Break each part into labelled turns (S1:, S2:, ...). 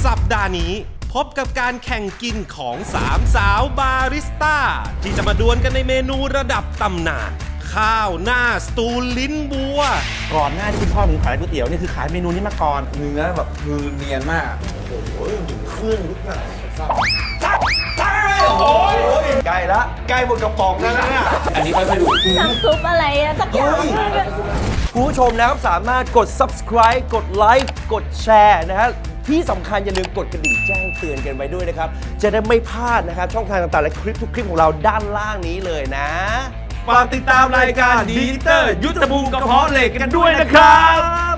S1: สัปดาห์นี้พบกับการแข่งกินของ3สาวบาริสต้าที่จะมาดวลกันในเมนูระดับตำนานข้าวหน้าสตูลิ้นบัว
S2: ก่อนหน้าที่คุณพ่อผมขายก๋วยเตี๋ยวนี่คือขายเมนูนี้มาก่อน
S3: เนื้อแบบคือเนียนมากโอ้โหเครื่องทุกอย่างโอ้ยใกล้ละใกล้หมดกระป๋องแล้วนะเนี่ยอันนี้ค่อยๆดู
S4: น้ำซุปอะไรอะสักอย่าง
S2: คุณผู้ชมนะครับสามารถกด subscribe กดไลค์กดแชร์นะฮะที่สำคัญอย่าลืมกดกระดิ่งแจ้งเตือนกันไว้ด้วยนะครับจะได้ไม่พลาดนะครับช่องทางต่างๆและคลิปทุกคลิปของเราด้านล่างนี้เลยนะ
S3: ฝากติดตามรายการดีเตอร์ยุทธภูมิกระเพาะเหล็กกันด้วยนะครับ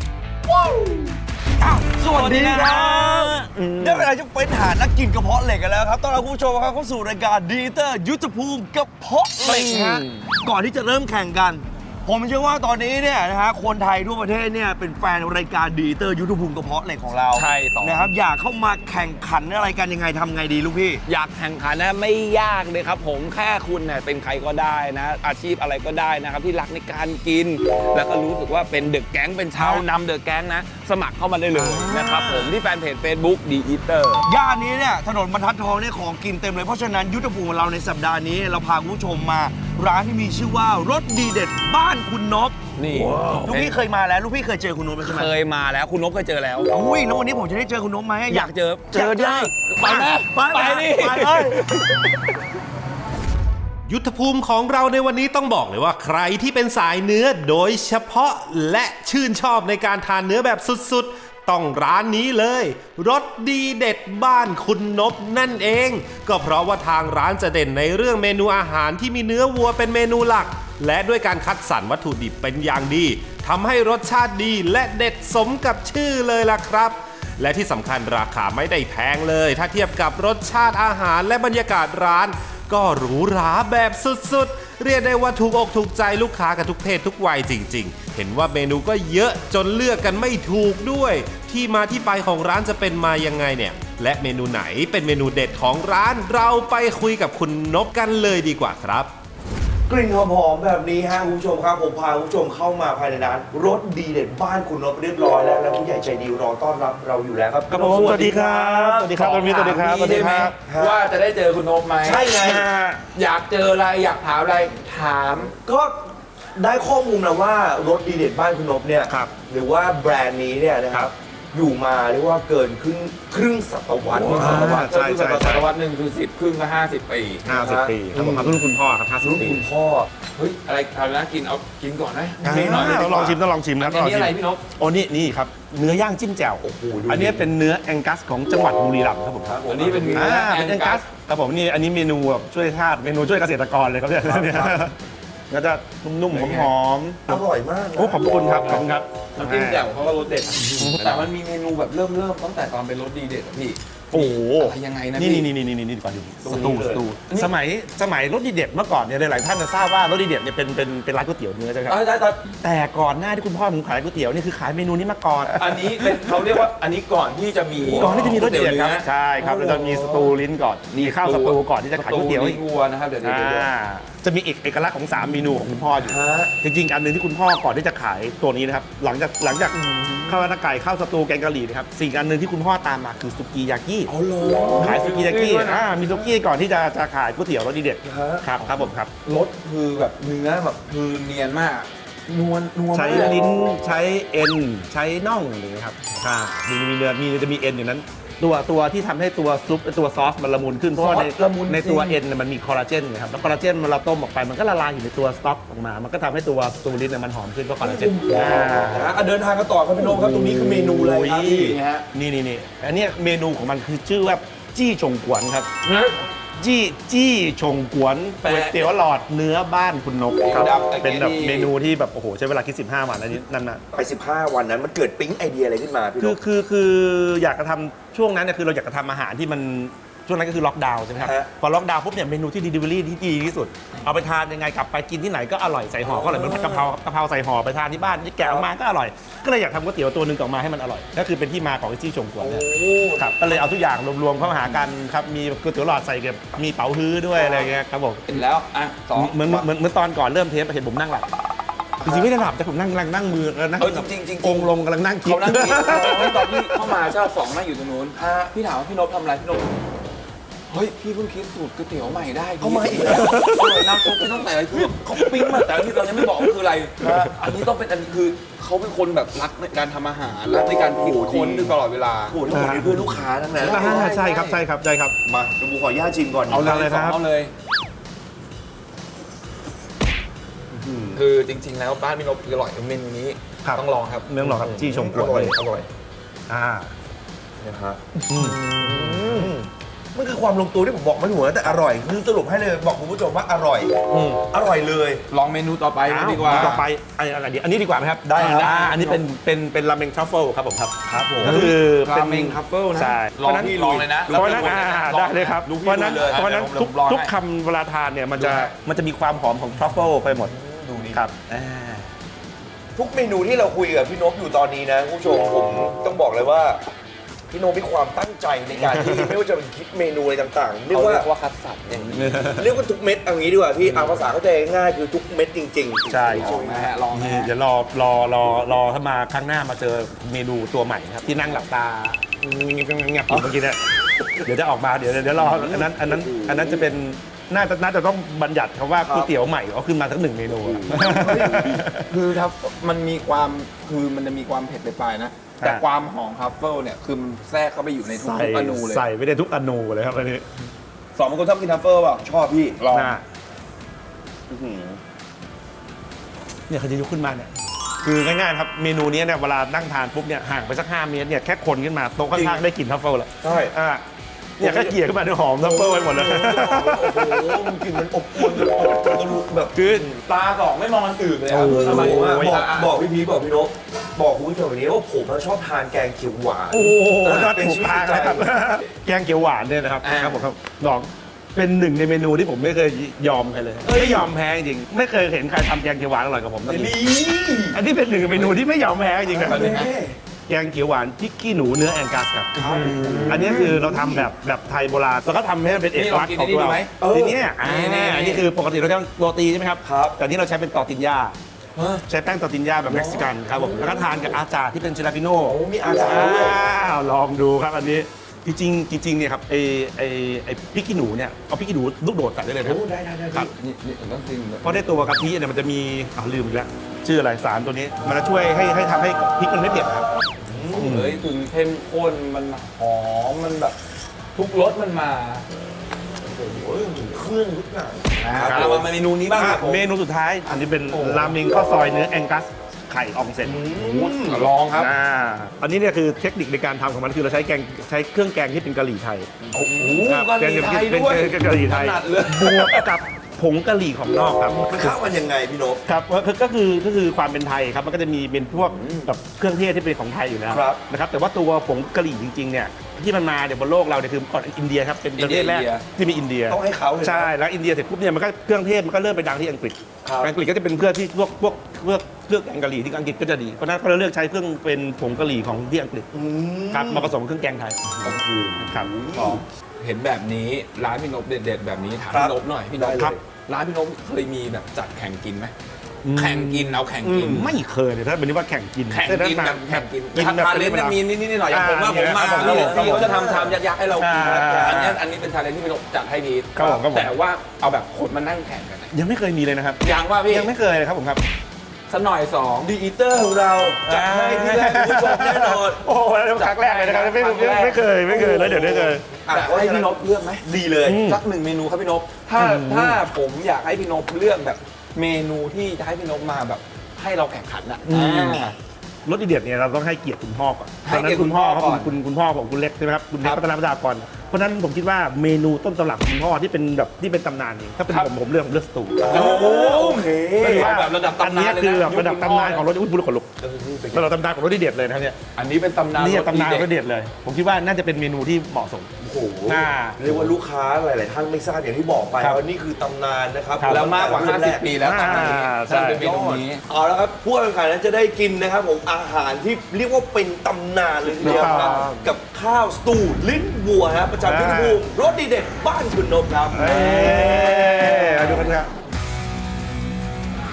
S3: สวัสดีครับได้เวลาจะเป็นหานักกินกระเพาะเหล็กกันแล้วครับต้อนรับผู้ชมครับเข้าสู่รายการดีเตอร์ยุทธภูมิกระเพาะเหล็กฮะก่อนที่จะเริ่มแข่งกันผมเชื่อว่าตอนนี้เนี่ยนะฮะคนไทยทั่วประเทศเนี่ยเป็นแฟนรายการดีเตอร์ยุทธภูมิกระเพาะเหล็กของเรา
S5: ใช่
S3: นะครับอยากเข้ามาแข่งขันอะไรกันยังไงทำไงดีลูกพี่
S5: อยากแข่งขันนะไม่ยากเลยครับผมแค่คุณเนี่ยเป็นใครก็ได้นะอาชีพอะไรก็ได้นะครับที่รักในการกินแล้วก็รู้สึกว่าเป็นเดอะแก๊งเป็นชาวนำเดอะแก๊งนะสมัครเข้ามาได้เลยนะครับผมที่แฟนเพจ Facebook ดีอีเตอร์
S3: ย่านนี้เนี่ยถนนบรรทัดทองเนี่ยของกินเต็มเลยเพราะฉะนั้นยุทธภูมิของเราในสัปดาห์นี้เราพาคุณผู้ชมมาร้านที่มีชื่อว่ารสดีเด็ดบ้านคุณนพ
S5: นี่
S3: ลูกพี่เคยมาแล้วลูกพี่เคยเจอคุณนพไหม
S5: เคยมาแล้วคุณนพเคยเจอแล้ว
S3: อุ้ยแล้ววันนี้ผมจะได้เจอคุณนพไหม
S5: อยากเจอได้ไปนะไปนี่
S1: ยุทธภูมิของเราในวันนี้ต้องบอกเลยว่าใครที่เป็นสายเนื้อโดยเฉพาะและชื่นชอบในการทานเนื้อแบบสุดๆต้องร้านนี้เลยรสดีเด็ดบ้านคุณนพนั่นเองก็เพราะว่าทางร้านจะเด่นในเรื่องเมนูอาหารที่มีเนื้อวัวเป็นเมนูหลักและด้วยการคัดสรรวัตถุดิบเป็นอย่างดีทำให้รสชาติดีและเด็ดสมกับชื่อเลยล่ะครับและที่สำคัญราคาไม่ได้แพงเลยถ้าเทียบกับรสชาติอาหารและบรรยากาศร้านก็หรูหราแบบสุดๆเรียกได้ว่าถูกอกถูกใจลูกค้ากันทุกเพศทุกวัยจริงๆเห็นว่าเมนูก็เยอะจนเลือกกันไม่ถูกด้วยที่มาที่ไปของร้านจะเป็นมายังไงเนี่ยและเมนูไหนเป็นเมนูเด็ดของร้านเราไปคุยกับคุณนพกันเลยดีกว่าครับ
S3: กลิ่นหอมๆแบบนี้ฮะคุณผู้ชมครับผมพาคุณผู้ชมเข้ามาภายในร้านรสดีเด็ดบ้านคุณนพเรียบร้อยแล้วและผู้ใหญ่ใจดีรอต้อนรับเราอยู่แล้วครับ
S2: ครับผมสวัสดีครับสวัสดีครับคุณพี่สวัสดีครับสวัสดีครับ
S5: ว่าจะได้เจอคุณนพไหม
S3: ใช่ไง
S5: อยากเจออะไรอยากถามอะไรถาม
S3: ก็ได้ข้อมูลมาว่ารสดีเด็ดบ้านคุณนพเนี่ยหรือว่าแบรนด์นี้เนี่ยนะครับอยู่มาเรียกว่าเกินครึ่งศตวรรษ
S5: ใช่ศตวรรษหนึ่งคือ10ครึ่งก็50 ปี
S2: 50 ปีครับผมรุ่นคุณพ่อครับ
S3: รุ่นคุณพ่อ
S5: เฮ้ยอะไรนะกินเอากินก่อนไหม
S2: ต้องลองชิมนะ
S5: อันนี้อะไรพี่นพ
S2: โอ้นี่ครับเนื้อย่างจิ้มแจ่วอันนี้เป็นเนื้อแองกัสของจังหวัดบุรีรัมย์ครับผม
S5: อันนี้เป็นเนื้อ
S2: แองกัสครับผมนี่อันนี้เมนูแบบช่วยชาติเมนูช่วยเกษตรกรเลยครับเนี่ยก็จะนุ่มๆหอม
S3: ๆอร่อยมาก
S2: โอ้ขอบคุณครับขอบคุณครับ
S5: น้ำจิ้มแจ่วเขาก็รสเด็ดแต่มันมีเมนูแบบเริ่มตั้งแต่ตอนเป็นรสดีเด็ดพี่
S2: โอ้
S5: อะไรยังไงนะ
S2: นี่ก่อนดูสตูสมัยรสดีเด็ดเมื่อก่อนเนี่ยหลายท่านจะทราบว่ารสดีเด็ดเนี่ยเป็นร้านก๋วยเตี๋ยวเนื้อใช่ไหมครับแต่ก่อนหน้าที่คุณพ่อผมขายก๋วยเตี๋ยวนี่คือขายเมนูนี้มาก่อน
S5: อันนี้เป็นเขาเรียกว่าอันนี้ก่อนที่จะมี
S2: รสดีเด็ดครับใช่ครับเราจะมีสตูลิ้นก่อนมีข้าวสตูก่อนที่จะขายก๋วยเตี๋ยว
S5: ลิ้นวัวนะครับเดี๋ยว
S2: จะมีเอกลักษณ์ของ3เมนูของคุณพ่ออยู่จริงๆอันนึงที่คุณพ่อก่อนที่จะขายตัวนี้นะครับหลังจากข้าวหน้าไก่ข้าวสตูแกงกะหรี่นะครับสิ่งอันนึงที่คุณพ่อตามมาคือสุกี้ยากิขายสุกี้ยากิมีสุกี้ก่อนที่จะขายก๋วยเตี๋ยวรสดีเด็ดครับผมครับ
S3: รสคือแบบเนื้อแบบคือเนียนมากนวล
S2: ใช้ลิ้นใช้เอ็นใช้น่องอะไรอย่างเงี้ยครับมีเนื้อจะมีเอ็นอยู่นั้นตัวที่ทำให้ตัวซุปตัวซอสมันละมุนขึ้นเพราะว่าในตัวเอ็นมันมีคอลลาเจนนะครับแล้วคอลลาเจนมันเราต้มออกไปมันก็ละลายอยู่ในตัวสต๊อกออกมามันก็ทำให้ตัวสตูลิ้นมันหอมขึ้นเพราะคอลลาเจน
S3: เดินทางกันต่อครับพี่โน้ครับตรงนี้คือเมนูอะไรครับ
S2: นี่อันนี้เมนูของมันคือชื่อว่าจี้ชงกวนครับจี้ชงกวนก๋วยเตี๋ยวหลอดเนื้อบ้านคุณนพเป็นแบบเมนูที่แบบโอ้โหใช้เวลาคิด15 วันนั่นนะ
S3: ไป15 วันนั้นมันเกิดปิ๊งไอเดียอะไรขึ้นมาพี่นพ
S2: คืออยากจะทำช่วงนั้นเนี่ยคือเราอยากจะทำอาหารที่มันช่วงนั้นก็คือล็อกดาวน์ใช่ไหมครับพอล็อกดาวน์ปุ๊บเนี่ยเมนูที่ดีลิเวอรี่ที่ดีที่สุดเอาไปทานยังไงกลับไปกินที่ไหนก็อร่อยใส่ห่อก็อร่อยเหมือนผัดกะเพราใส่ห่อไปทานที่บ้านที่แกะออกมาก็อร่อยก็เลยอยากทำก๋วยเตี๋ยวตัวนึงออกมาให้มันอร่อยก็คือเป็นที่มาของจี้ชงกวนเนี่ยครับก็เลยเอาทุกอย่างรวมเข้าหากันครับมีก๋วยเตี๋ยวหลอดใส่กับมีเป๋าฮื้อด้วยอะไรเงี้ยครับผม
S5: แล้ว
S2: เหมือนตอนก่อนเริ่มเทปเห็นผมนั่งหลับจริงๆไม่ได้หลับแต่ผมนั่งกำลังนั่งมือแล้วนั่ง
S5: จริงๆ
S2: กงลงกำลังนั่งคิด
S5: เขานั่งกินตอนที่เข้ามาเจ้าสองนั่งอยู่ตรงนู้นพี่ถามว่าพี่นพทำอะไรพี่นพเฮ้ยพี่เพิ่งคิดสูตรก๋วยเตี๋ยวใหม่ได้เขาใหม่น้ำซุปไม่ต้องใส่อะไรคือเขาปิ้งมาแต่ที่เรายังไม่บอกว่าคืออะไรอันนี้ต้องเป็นอันนี้คือเขาเป็นคนแบบรักในการทำอาหารรักในการคิดค้นตลอดเวลา
S3: โอ้โหทั้งหมดนี้เพื่อนลูกค้าทั้งนั้น
S2: ใช่ครับใช่ครับใช่ครับ
S3: มาเดี๋ยวผมขออนุญาตชิมก่อน
S2: เอาเลยครับ
S5: เอาเลย คือจริงๆแล้วบ้านพี่นพคืออร่อยเมนูนี้
S2: ครับ
S5: ต้องลองครับ
S2: เมืองหรอครับจี้ชมกวดเลย
S5: อร่อย
S3: นะฮะมันคือความลงตัวที่ผมบอกไม่ถูกนะแต่อร่อยคือสรุปให้เลยบอกคุณผู้ชมว่าอร่อยอร่อยเลย
S5: ลองเมนูต่อไปดีกว่า
S2: ต่อไปอะไรดีอันนี้ดีกว่าไหมครับ
S3: ได้ครับ
S2: อันนี้เป็นราเมงทรัฟเฟิลครับผมครับ
S3: ครับผม
S2: ก็คือเป็น
S5: ราเมงทัฟเฟิลนะ
S2: ใช่
S5: ลองพี่ลองเลยนะ
S2: เพราะฉะนั้นได้เลยครับ
S5: ดู
S2: เพ
S5: พี่
S2: ราะฉะนั้น
S5: ดูเลย
S2: เพราะฉะนั้น
S5: เดี๋ยวผมลอง
S2: ทุก
S5: ให้
S2: คำเวลาทานเนี่ยมันจะมีความหอมของทรัฟเฟิลไปหมด
S3: ดูนี่
S2: ครับ
S3: ทุกเมนูที่เราคุยกับพี่นพอยู่ตอนนี้นะคุณผู้ชมผมต้องบอกเลยว่าพี่นพมีความตั้งใจในการที่ ไม่ว่าจะเป็นคิดเมนูอะไรต่างๆเรียก
S5: เขา
S3: ว่า
S5: เรียกว่าคัดสรรอย่างนี้
S3: เรียกว่าทุกเม็ดเอางี้ดีกว่าพี่เอาภาษาเข้าใจง่ายๆคือทุกเม็ดจริงๆ
S2: ใช่
S5: ลองนะฮะลองนะ
S2: นี่
S5: ฮะ
S2: เดี๋ยวรอถ้ามาครั้งหน้ามาเจอเมนูตัวใหม่ครับที่นั่งหลับตาเงียบๆอยู่เมื่อกี้เนี่ยเดี๋ยวจะออกมาเดี๋ยวรออันนั้นจะเป็นน่าจะต้องบัญญัติคำว่าก๋วยเตี๋ยวใหม่เอาขึ้นมาสักหนึ่งเมนูอะ
S5: คือครับมันมีความคือมันจะมีความเผ็ดไปปลายๆนะแต่ความหอมทัฟเฟิลเนี่ยคือมันแทรกเข้าไปอยู่ในทุกอนูเลย
S2: ใส่ไม่ได้ทุกอนูเลยครับอันนี้
S3: สองคนชอบกินทัฟเฟิลเปล่าชอบพี่
S5: ลอง
S2: น่าเนี่ยเขาจะยกขึ้นมาเนี่ยคือง่ายๆครับเมนูนี้เนี่ยเวลานั่งทานปุ๊บเนี่ยห่างไปสัก5 เมตรเนี่ยแค่คนขึ้นมาโต๊ะข้างๆได้กลิ่นทัฟเฟิลแล้ว
S3: ใช่
S2: เนี่ยแค่เกี่ยขึ้นมาเนี่ยหอมทัฟเฟิลไปหมดแล้ว
S3: โอ้โหมันกลิ่นมันอบอวลจนอบจนแบบ
S2: คือ
S5: ตาสองไม่มองอันอื่นเลยครับ
S3: ทำไมว่า
S2: โอ้ย
S3: บอกพี่พีบอกพี่นกบอกคุณผู้ชมอย่างนี้ว่าผมชอบทานแกงเขียวหวาน
S2: โอ้โหน่าถูกทางเลยครับแกงเขียวหวานเนี่ยนะครับครับผมครับลองเป็นหนึ่งในเมนูที่ผมไม่เคยยอมใครเลยไม่ยอมแพ้จริงไม่เคยเห็นใครทำแกงเขียวหวานอร่อยกับผมสักทีอันนี้เป็นหนึ่งในเมนูที่ไม่ยอมแพ้จริงนะแกงเขียวหวานพริกขี้หนูเนื้อแองกัสครับอันนี้คือเราทำแบบไทยโบราณแล้วก็ทำให้มันเป็นเอกลักษณ์ของเราทีนี้อันนี้คือปกติเราใช้โรตีใช่ไหมครับแต่นี่เราใช้เป็นตอร์ติญญาใช้แป้งตอร์ติญญาแบบเม็กซิกันครับผมแล้วก็ทานกับอาจารย์ที่เป็นเจลาปิโน่
S3: โอ้มีอาจารย์ด้วย
S2: ลองดูครับอันนี้จริงเนี่ยครับไอ้พริกขี้หนูเนี่ยเอาพริกขี้หนูลูกโดดใส่ได้เลยนะ
S3: โอ้ได้
S2: ครับ
S5: นี่ต้องจริงเลย
S2: เพราะในตัวกะทิเนี่ยมันจะมีลืมอีกแล้วชื่ออะไรสารตัวนี้มันจะช่วยให้ทำให้พริกมันไม่เผ็ดครับ
S5: เฮ้ยถึงเข้มข้นมันหอมมันแบบทุกรสมันมา
S3: เครื่องทุกอย่าง
S5: เอามาเมนูนี้บ้างครับผม
S2: เมนูสุดท้ายอันนี้เป็นราเมงข้าวซอยเนื้อแองกัสไข่อองเซ็น
S5: ลองครับ
S2: อันนี้เนี่ยคือเทคนิคในการทำของมันคือเราใช้เครื่องแกงที่เป็นกะหรี่ไทย
S5: โอ้โห
S2: ครับ
S5: กะหรี่ไทย
S2: เป็น
S5: ด้วย
S2: กะหรี่ไทย
S5: ถนัดเลย
S2: บวกกับผงกะหรี่ของนอกครับ
S3: มันเข้ากันยังไงพี่นก
S2: ครับก็คือความเป็นไทยครับมันก็จะมีเป็นพวกแบบเครื่องเทศที่เป็นของไทยอยู่แล้ว
S3: ครับ
S2: นะครับแต่ว่าตัวผงกะหรี่จริงๆเนี่ยที่มันมาเนี่ยบนโลกเราเนี่ยคือก่อนอินเดียครับเป็นประเทศแรกที่มีอินเดีย
S3: ต้องให้เขาเลยนะ
S2: ใช่แล้วอินเดียเสร็จปุ๊บเนี่ยมันก็เครื่องเทศมันก็เริ่มไปดังที่อังกฤษ
S3: ครับ
S2: อังกฤษก็จะเป็นเพื่อที่พวกเครื่องแกงกะหรี่ที่อังกฤษก็จะดีเพราะฉะนั้นเขาเลยเลือกใช้เครื่องเป็นผงกะหรี่ของที่อังกฤษครับมาผสมเครื่องแกงไทยครับ
S5: เห็นแบบนี้ร้านพี่นพเด็ดๆแบบนี้ถาม
S3: ครับ
S5: พี่นพหน่อยพี่นพ
S2: ครับ
S5: ร้านพี่นพเคยมีแบบจัดแข่งกินไหมแข่งกินเอาแข่งกิน
S2: ไม่เคยเลยถ้าเป็นนี้ว่าแข่งกิน
S5: แข่งกินแบบแข่งกิน
S2: กินแบบ
S5: ทาเลนต์มีนิดๆหน่อยๆอย่างผมว่าผมมา
S2: ครับ
S5: พี่เขาจะทำชามยักษ์ๆให้เรากิน อันนี้เป็นชาเลนจ์ที่พี่นพจัดให้พีท
S2: ครับผม
S5: แต่ว่าเอาแบบคนมานั่งแข่งกันอะ
S2: ยังไม่เคยมีเลยนะครับ
S5: ยังว่าพี่
S2: ยังไม่เคยเลยครับผมครับ
S5: สักหน่อยสอง
S3: ดีอีเตอร์ของเราจัดให้ที่แรกคุณผู้ชมแน่นอน
S2: โอ้โหครั้งแรกเลยนะครับไม่เคยแล้วเดี๋ยวได้เจอ
S5: อยากให้พี่นพเลือกไหม
S3: ดีเลย
S5: สักหนึ่งเมนูครับพี่นพถ้าผมอยากให้พี่นพเลือกแบบเมนูที่จะให้พี่นพมาแบบให้เราแข่งขันอ่ะ
S2: รสดีเด็ดเนี่ยเราต้องให้เกียรติคุณพ่อก่อน
S5: ให้เกียรติคุณพ่อ
S2: เขา
S5: ก่อน
S2: คุณพ่อของคุณเล็กใช่ไหมครับคุณเล็ก
S5: ครับ
S2: พัฒนาประชากรเพราะฉะนั้นผมคิดว่าเมนูต้นตำรับคุณพ่อที่เป็นแบบที่เป็นตำนานเองถ้าเป็น
S5: ครับ
S2: ผมเลือกสตู
S3: โอเค
S5: เอาแบบระดับ
S2: อัน
S5: ตำ
S2: นี้
S5: นานเลย
S2: คือ
S5: นะ
S2: แบบระดับตำนานของรสอุ้ยบุรุษขนลุกระดับตำนานของรสดีเด็ดเลยนะครับเนี่ย
S5: อันนี้เป็นตำนาน
S2: นี่ตำนานร
S5: ร
S2: ส
S5: ส
S2: เด็ดเลย ผมคิดว่าน่าจะเป็นเมนูที่เหมาะสม
S3: โอ้โห
S2: อ่า
S3: เรียกว่าลูกค้าหลาย ๆ ท่านไม่ทราบอย่างที่บอกไป
S2: ครับ
S3: ว่านี่คือตำนานนะครับ
S2: ครับ
S5: แล้วมากกว่า 50 ปีแล้วตอนนี้
S2: ใช่
S5: เป็นเมนูนี้
S3: เอาละครับผู้แข่งขันนั้นจะได้กินนะครับผมอาหารที่เรียกว่าเป็นตำนานเลยทีเดียวครับกับข้าวสตูลิ้นวัวฮะประจำที่ภูมิรสดีเด็ดบ้านคุณนพครับ
S2: มาดูกันครับ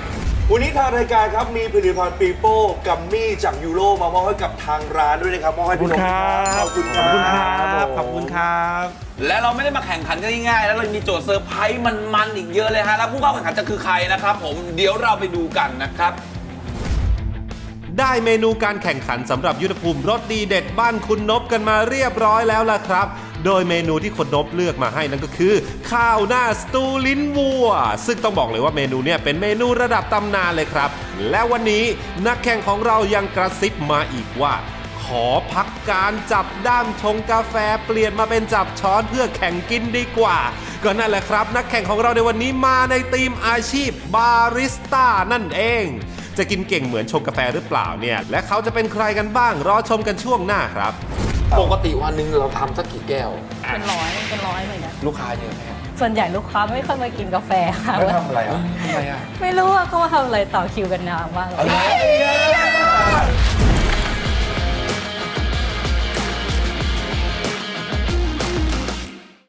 S3: วันนี้ทางรายการครับมีผลิตภัณฑ์ปีโป้กัมมี่จากยูโรมามอบให้กับทางร้านด้วยนะครับมอบให้พี่นกขอบคุณครับ
S2: ขอบคุณครับ
S5: และเราไม่ได้มาแข่งขันกันง่ายๆแล้วเรามีโจทย์เซอร์ไพรส์มันๆอีกเยอะเลยฮะแล้วผู้เข้าแข่งขันจะคือใครนะครับผมเดี๋ยวเราไปดูกันนะครับ
S1: ได้เมนูการแข่งขันสำหรับยุทธภูมิรสดีเด็ดบ้านคุณนบกันมาเรียบร้อยแล้วล่ะครับ โดยเมนูที่คุณนบเลือกมาให้นั่นก็คือ ข้าวหน้าสตูลิ้นวัว ซึ่งต้องบอกเลยว่าเมนูเนี่ยเป็นเมนูระดับตำนานเลยครับ และวันนี้นักแข่งของเรายังกระซิบมาอีกว่า ขอพักการจับด้ามชงกาแฟเปลี่ยนมาเป็นจับช้อนเพื่อแข่งกินดีกว่า ก็นั่นแหละครับ นักแข่งของเราในวันนี้มาในทีมอาชีพบาริสต้านั่นเอง จะกินเก่งเหมือนชงกาแฟหรือเปล่าเนี่ยและเขาจะเป็นใครกันบ้างรอชมกันช่วงหน้าครับ
S6: ปกติวันหนึ่งเราทำสักกี่แก้ว
S4: เป็นร้อยเหมือนกัน
S6: ลูกค้าเยอะไหมครับ
S4: ส่วนใหญ่ลูกค้าไม่ค่อยมากินกาแฟค่ะ
S3: แล้วทำอะไรอ่ะ
S6: ทำไมอ่ะ
S4: ไม่รู้ว่าเขามาทำอะไรต่อคิวกันนานมากเลย
S3: อะไร